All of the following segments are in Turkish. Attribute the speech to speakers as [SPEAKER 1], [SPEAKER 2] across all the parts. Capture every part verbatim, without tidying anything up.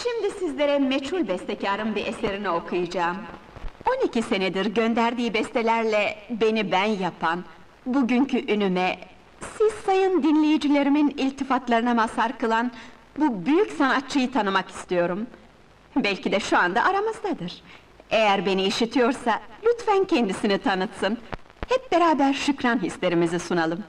[SPEAKER 1] Şimdi sizlere meçhul bestekarın bir eserini okuyacağım. on iki senedir gönderdiği bestelerle beni ben yapan, bugünkü ünüme, siz sayın dinleyicilerimin iltifatlarına mazhar kılan bu büyük sanatçıyı tanımak istiyorum. Belki de şu anda aramızdadır. Eğer beni işitiyorsa, lütfen kendisini tanıtsın. Hep beraber şükran hislerimizi sunalım.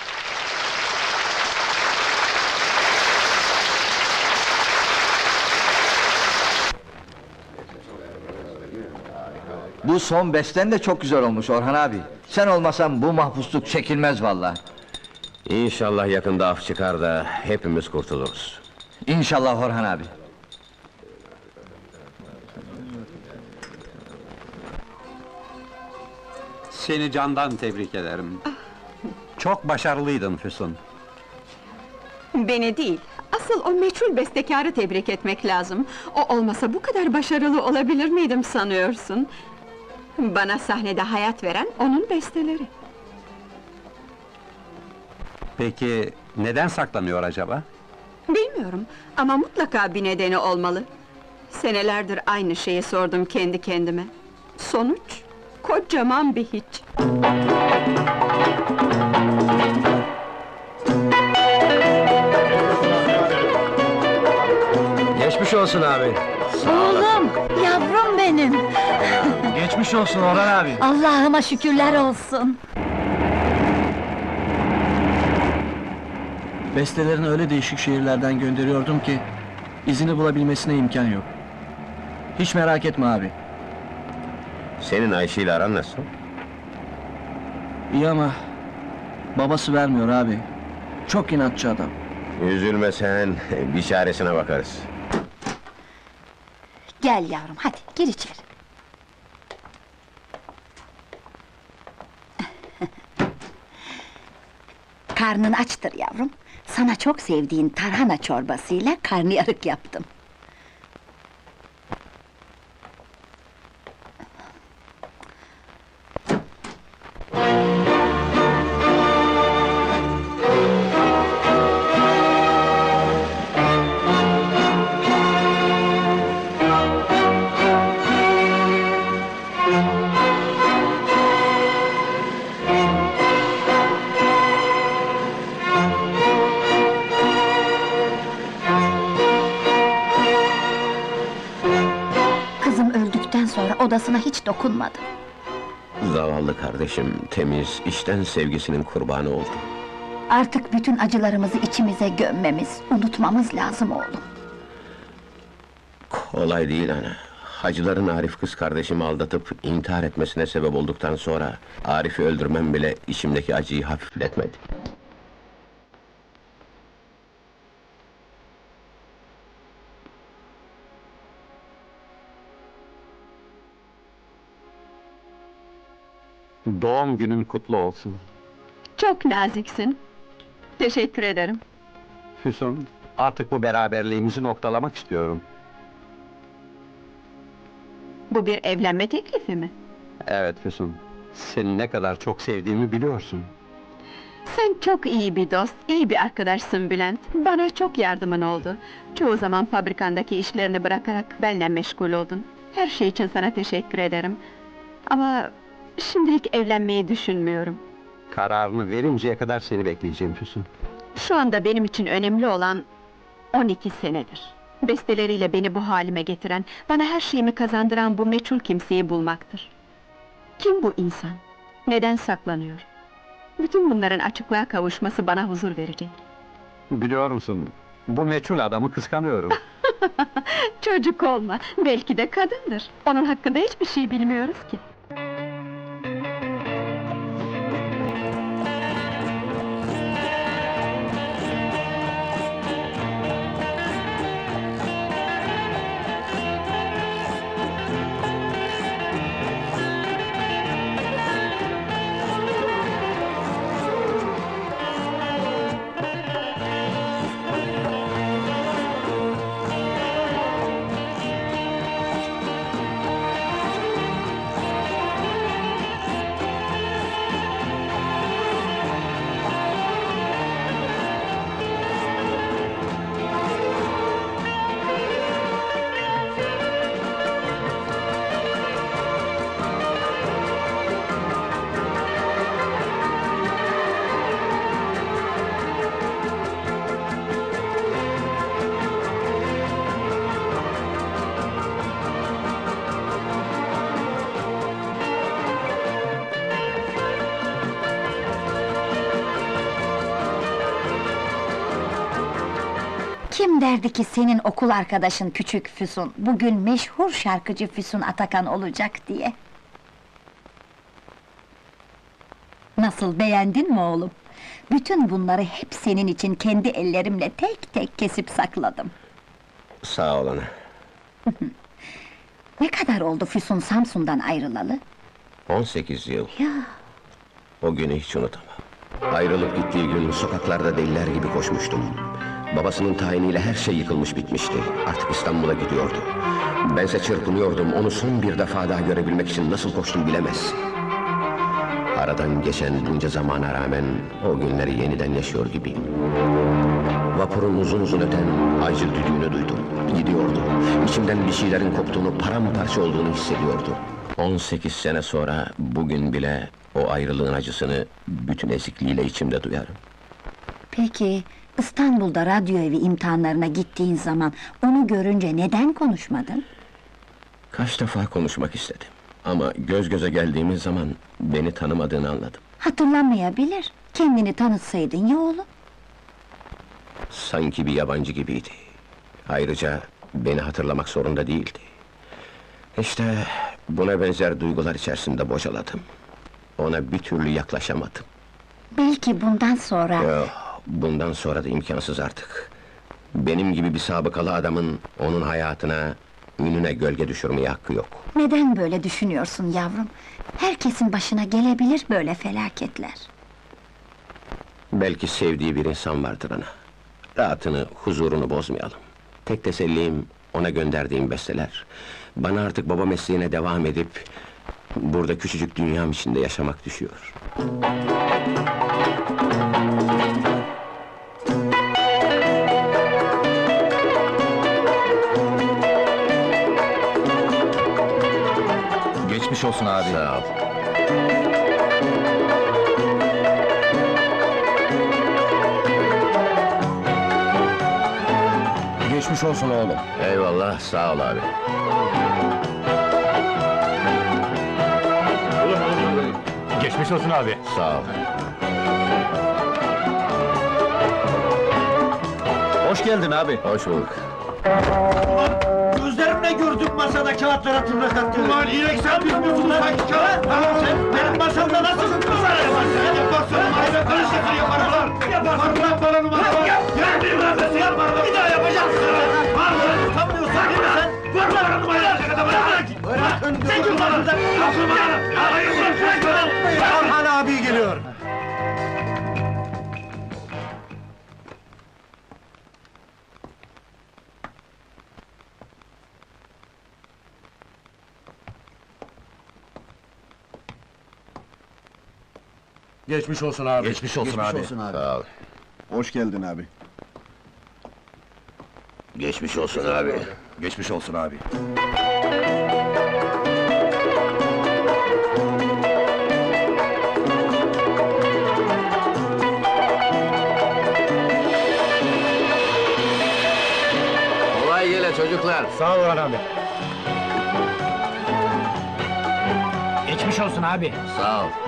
[SPEAKER 2] Bu son besten de çok güzel olmuş Orhan abi. Sen olmasan bu mahpusluk çekilmez vallahi.
[SPEAKER 3] İnşallah yakında af çıkar da hepimiz kurtuluruz.
[SPEAKER 2] İnşallah Orhan abi.
[SPEAKER 4] Seni candan tebrik ederim. Çok başarılıydın Füsun.
[SPEAKER 1] Beni değil, asıl o meçhul bestekarı tebrik etmek lazım. O olmasa bu kadar başarılı olabilir miydim sanıyorsun? Bana sahnede hayat veren onun besteleri.
[SPEAKER 4] Peki neden saklanıyor acaba?
[SPEAKER 1] Bilmiyorum ama mutlaka bir nedeni olmalı. Senelerdir aynı şeyi sordum kendi kendime. Sonuç, kocaman bir hiç.
[SPEAKER 3] Geçmiş olsun abi.
[SPEAKER 5] Oğlum, yavrum benim!
[SPEAKER 2] Geçmiş olsun Orhan abi.
[SPEAKER 5] Allah'ıma şükürler olsun!
[SPEAKER 6] Bestelerini öyle değişik şehirlerden gönderiyordum ki izini bulabilmesine imkan yok. Hiç merak etme abi.
[SPEAKER 3] Senin Ayşe ile aran nasıl?
[SPEAKER 6] İyi ama babası vermiyor abi. Çok inatçı adam.
[SPEAKER 3] Üzülme sen, bir çaresine bakarız.
[SPEAKER 5] Gel yavrum, hadi gir içeri. Karnın açtır yavrum. Sana çok sevdiğin tarhana çorbasıyla karnıyarık yaptım. Kızım öldükten sonra odasına hiç dokunmadım.
[SPEAKER 3] Zavallı kardeşim, temiz, içten sevgisinin kurbanı oldu.
[SPEAKER 5] Artık bütün acılarımızı içimize gömmemiz, unutmamız lazım oğlum.
[SPEAKER 3] Kolay değil ana. Hacıların Arif kız kardeşimi aldatıp intihar etmesine sebep olduktan sonra Arif'i öldürmem bile içimdeki acıyı hafifletmedi.
[SPEAKER 4] Doğum günün kutlu olsun.
[SPEAKER 1] Çok naziksin. Teşekkür ederim.
[SPEAKER 4] Füsun, artık bu beraberliğimizi noktalamak istiyorum.
[SPEAKER 1] Bu bir evlenme teklifi mi?
[SPEAKER 4] Evet Füsun, seni ne kadar çok sevdiğimi biliyorsun.
[SPEAKER 1] Sen çok iyi bir dost, iyi bir arkadaşsın Bülent. Bana çok yardımın oldu. Çoğu zaman fabrikandaki işlerini bırakarak benimle meşgul oldun. Her şey için sana teşekkür ederim. Ama şimdilik evlenmeyi düşünmüyorum.
[SPEAKER 4] Kararını verinceye kadar seni bekleyeceğim Füsun.
[SPEAKER 1] Şu anda benim için önemli olan on iki senedir. Besteleriyle beni bu halime getiren, bana her şeyimi kazandıran bu meçhul kimseyi bulmaktır. Kim bu insan? Neden saklanıyor? Bütün bunların açıklığa kavuşması bana huzur verecek.
[SPEAKER 4] Biliyor musun, bu meçhul adamı kıskanıyorum.
[SPEAKER 1] Çocuk olma, belki de kadındır. Onun hakkında hiçbir şey bilmiyoruz ki.
[SPEAKER 5] Kim derdi ki senin okul arkadaşın küçük Füsun, bugün meşhur şarkıcı Füsun Atakan olacak diye? Nasıl, beğendin mi oğlum? Bütün bunları hep senin için kendi ellerimle tek tek kesip sakladım.
[SPEAKER 3] Sağ ol ana.
[SPEAKER 5] Ne kadar oldu Füsun Samsun'dan ayrılalı?
[SPEAKER 3] on sekiz yıl.
[SPEAKER 5] Ya,
[SPEAKER 3] O günü hiç unutamam. Ayrılıp gittiği gün sokaklarda deliler gibi koşmuştum. Babasının tayiniyle her şey yıkılmış bitmişti. Artık İstanbul'a gidiyordu. Bense çırpınıyordum, onu son bir defa daha görebilmek için nasıl koştum bilemezsin. Aradan geçen bunca zamana rağmen o günleri yeniden yaşıyor gibiyim. Vapurun uzun uzun öten acı düdüğünü duydum. Gidiyordu. İçimden bir şeylerin koptuğunu, paramparça olduğunu hissediyordum. on sekiz sene sonra bugün bile o ayrılığın acısını bütün ezikliğiyle içimde duyarım.
[SPEAKER 5] peki İstanbul'da radyo evi imtihanlarına gittiğin zaman onu görünce neden konuşmadın?
[SPEAKER 3] Kaç defa konuşmak istedim. Ama göz göze geldiğimiz zaman beni tanımadığını anladım.
[SPEAKER 5] Hatırlamayabilir. Kendini tanıtsaydın ya oğlum.
[SPEAKER 3] Sanki bir yabancı gibiydi. Ayrıca beni hatırlamak zorunda değildi. İşte buna benzer duygular içerisinde bocaladım. Ona bir türlü yaklaşamadım.
[SPEAKER 5] Belki bundan sonra...
[SPEAKER 3] Yok, bundan sonra da imkansız artık. Benim gibi bir sabıkalı adamın onun hayatına, ününe gölge düşürmeye hakkı yok.
[SPEAKER 5] Neden böyle düşünüyorsun yavrum? Herkesin başına gelebilir böyle felaketler.
[SPEAKER 3] Belki sevdiği bir insan vardır ana. Rahatını, huzurunu bozmayalım. Tek tesellim ona gönderdiğim besteler. Bana artık baba mesleğine devam edip burada küçücük dünyam içinde yaşamak düşüyor.
[SPEAKER 2] Geçmiş olsun abi.
[SPEAKER 3] Sağ ol.
[SPEAKER 6] Geçmiş olsun oğlum.
[SPEAKER 3] Eyvallah, sağ ol abi.
[SPEAKER 4] Geçmiş olsun abi.
[SPEAKER 3] Sağ ol.
[SPEAKER 6] Hoş geldin abi.
[SPEAKER 3] Hoş bulduk.
[SPEAKER 7] Gözlerimle gördüm masada kağıtlara tırnak attığını. Ulan inek sen bilmiyorsun sanki kağıt. Sen benim masamda nasıl numara yaparsın? Sen yaparsın, ayrı karışıklı yaparım lan. Yaparsın lan bana numara var. Gel bir vermesi yaparım. Bir daha yapacaksın. Var mı? Utanmıyorsun değil mi sen? Vur bana numara yapacak adamı. Bırakın. Sen kim bana? Yapın bana. Hayır bırak. Orhan abi geliyor.
[SPEAKER 6] Geçmiş olsun abi.
[SPEAKER 4] Geçmiş olsun abi.
[SPEAKER 3] Sağ ol.
[SPEAKER 7] Hoş geldin abi.
[SPEAKER 3] Geçmiş olsun abi.
[SPEAKER 4] Geçmiş olsun abi.
[SPEAKER 3] Kolay gele çocuklar.
[SPEAKER 4] Sağ ol abi. Geçmiş olsun abi.
[SPEAKER 3] Sağ ol.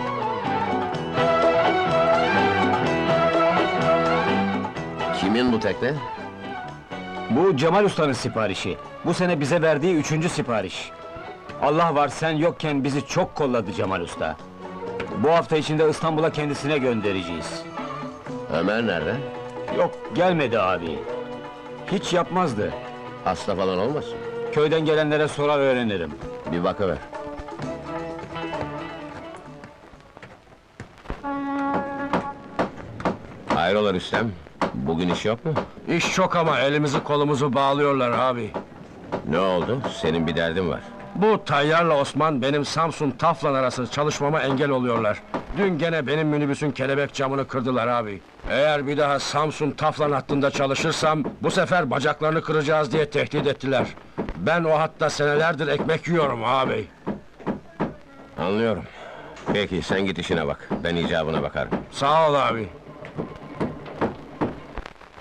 [SPEAKER 3] Kimin bu tekne?
[SPEAKER 8] Bu Cemal Usta'nın siparişi. Bu sene bize verdiği üçüncü sipariş. Allah var sen yokken bizi çok kolladı Cemal Usta. Bu hafta içinde İstanbul'a kendisine göndereceğiz.
[SPEAKER 3] Ömer nerede?
[SPEAKER 8] Yok gelmedi abi. Hiç yapmazdı.
[SPEAKER 3] Hasta falan olmasın?
[SPEAKER 8] Köyden gelenlere sorar öğrenirim.
[SPEAKER 3] Bir bakıver. Hayrola Rüstem? Bugün iş yok mu?
[SPEAKER 9] İş çok ama elimizi kolumuzu bağlıyorlar abi.
[SPEAKER 3] Ne oldu? Senin bir derdin var.
[SPEAKER 9] Bu Tayyar'la Osman benim Samsun Taflan arası çalışmama engel oluyorlar. Dün gene benim minibüsün kelebek camını kırdılar abi. Eğer bir daha Samsun Taflan hattında çalışırsam bu sefer bacaklarını kıracağız diye tehdit ettiler. Ben o hatta senelerdir ekmek yiyorum abi.
[SPEAKER 3] Anlıyorum. Peki sen git işine bak. Ben icabına bakarım.
[SPEAKER 9] Sağ ol abi.